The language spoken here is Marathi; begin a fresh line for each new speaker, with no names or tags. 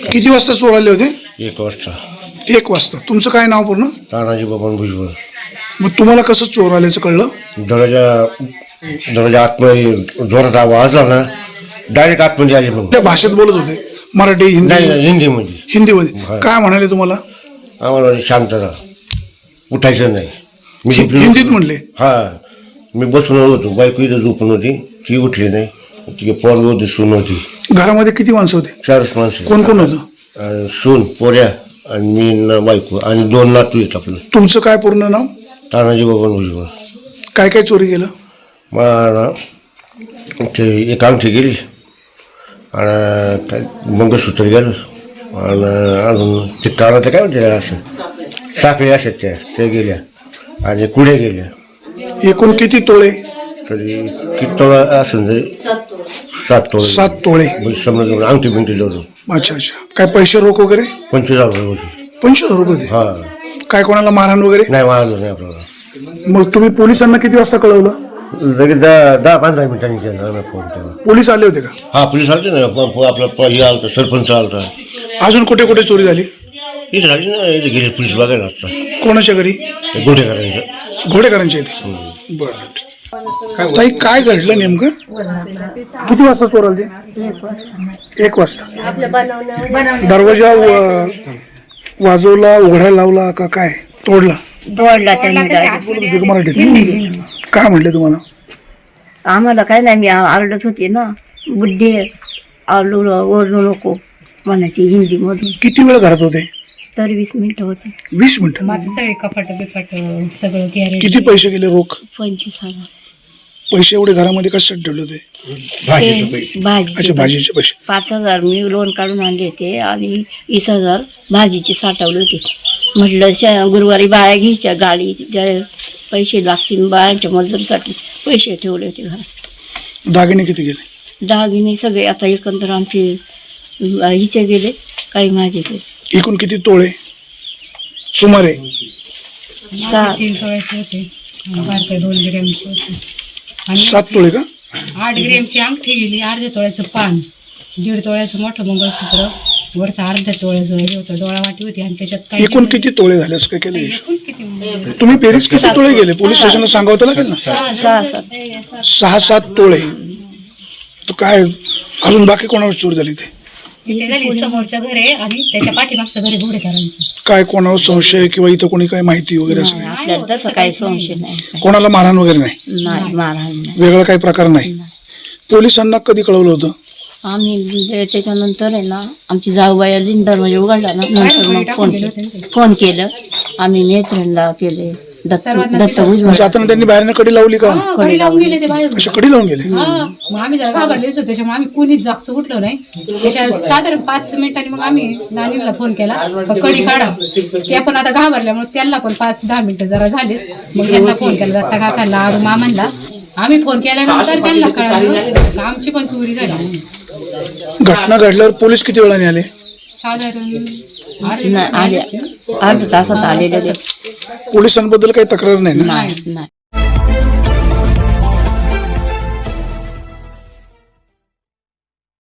किती वाजता चोर आले होते?
1 वाजता.
1 वाजता. तुमचं काय नाव पूर्ण?
तानाजी बबन भुजबळ.
मग तुम्हाला कसं चोर आल्याचं कळलं?
दरवाजा आतमध्ये जोरात आवाज आला ना, डायरेक्ट आतमध्ये आले. मग
त्या भाषेत बोलत होते? मराठी, हिंदी?
नाही, हिंदीमध्ये.
हिंदीमध्ये. काय म्हणाले तुम्हाला?
आम्हाला शांत राहा, उठायचं नाही. मी
हिंदीत म्हणले?
हा, मी बसून होतो, बायको इथं झोपून होती, ती उठली नाही. ती पोरगी होती, सून होती.
घरामध्ये किती माणसं होते?
4 माणसं.
कोण कोण होतं?
सून, पोऱ्या आणि मी न बायको आणि 2 नातू आहेत आपलं.
तुमचं काय पूर्ण नाव?
तानाजी बबन भुजबळ.
काय काय चोरी केलं?
मला ते एक अंगठी गेली आणि काय मंगळसूत्र गेलं आणि अजून ते कानाचं काय म्हणते असं साखळी असत ते गेल्या आणि कुड्या गेल्या.
एकूण किती तोळे?
तरी किती तोळा असेल तरी 7 तोळे.
7 तोळे.
समजा अंगठी बिंगठी जोडून.
अच्छा अच्छा. काय पैसे रोख वगैरे?
25,000 रुपये होते.
25,000 रुपये होते?
हा.
काय कोणाला मारहाण वगैरे?
नाही, मारलं नाही आपल्याला.
मग तुम्ही पोलिसांना किती वाजता कळवलं?
लगेच 10-15 मिनिटांनी केला आम्ही फोन केला.
पोलीस आले होते का?
हा, पोलीस आलते ना. आपला हे आलता, सरपंच आलता.
अजून कुठे कुठे चोरी झाली?
इथे झाली ना, इथे गेले पोलीस बघायला आता.
कोणाच्या घरी?
गोठे करायचं.
घोडेकरांच्या इथे. बरं. ताई, काय घडलं नेमकं? किती वाजता चोर आले ते? 1 वाजता. दरवाजा वाजवला, उघडायला लावला का काय? तोडला?
त्यांनी
मराठीत काय म्हटले तुम्हाला?
आम्हाला काय नाही, मी आरडत होते ना, बुड्ढे आलू ओरडू नको म्हणायची हिंदी मधून.
किती वेळ घरात होते?
तर 20 मिनिटं होते.
20 मिनिटं.
माझं सगळे कपाट बिपाट सगळं गॅरेज.
किती पैसे गेले रोख?
25,000.
पैसे एवढे घरामध्ये कशात ठेवले होते? अच्छा, भाजीचे पैसे.
5,000 मी लोन काढून आणले होते आणि 20,000 भाजीचे साठवले होते. म्हटलं गुरुवारी बाया घ्यायच्या, गाडी पैसे लागतील, बायांच्या मजुरीसाठी पैसे ठेवले होते घरात.
दागिने किती गेले?
दागिने सगळे आता एकंदर आमचे हिचे गेले, काही माझे गेले.
एकूण किती तोळे सुमारे?
3 तोळ्याचे होते, बारके 2 ग्रॅमचे होते आणि
7 तोळे का?
8 ग्रॅमची अंगठी गेली, अर्ध्या तोळ्याचं पान, 1.5 तोळ्याचं मोठं मंगळसूत्र, वरचं अर्ध्या तोळ्याचं हे होतं, डोळा वाटी होती आणि त्याच्यात काही.
एकूण किती तोळे झाले असं काय केलं?
एकूण किती?
तुम्ही बेरीज किती तोळे गेले? पोलीस स्टेशनला सांगावं तर लागेल ना. 6-7 तोळे. तर काय अजून बाकी कोणावर चोरी झाली?
ते झाली समोरचं घर आहे आणि त्याच्या पाठीमागचं घर आहे घोडेकरांचं.
काय कोणावर संशय किंवा इथं कोणी काय माहिती वगैरे असं काही?
आपल्याला तसं काही संशय नाही.
कोणाला मारहाण वगैरे नाही?
नाही, मारहाण नाही.
वेगळा काही प्रकार नाही? पोलिसांना कधी कळवलं होतं?
आम्ही त्याच्यानंतर आहे ना, आमची जाऊबाई आली, दरवाजा उघडला ना, नंतर मग फोन केलं आम्ही नेत्रणला केले, दत्त भुजबळ.
जाताना त्यांनी बाहेरनं कडी लावली का?
कडी लावून गेले ते बाहेर.
अशा कडी लावून गेले?
मग आम्ही जरा घाबरलेच होतो, त्याच्यामुळे आम्ही कुणीच जागचं उठलो नाही. त्याच्या साधारण 5 मिनिटांनी मग आम्ही नानीला फोन केला, कडी काढा. ते पण आता घाबरल्यामुळे त्यांना पण 5-10 मिनिटं जरा झालीच. मग त्यांना फोन केला, दत्ता काकांना, आरू मामांना. आम्ही फोन केल्यानंतर त्यांना कळालं आमची पण चोरी झाली.
घटना घडल्यावर पोलीस किती वेळाने आले?
साधारण
अर्ध्या तासात आलेले.
पोलिसांबद्दल काही तक्रार नाही ना?
नाही.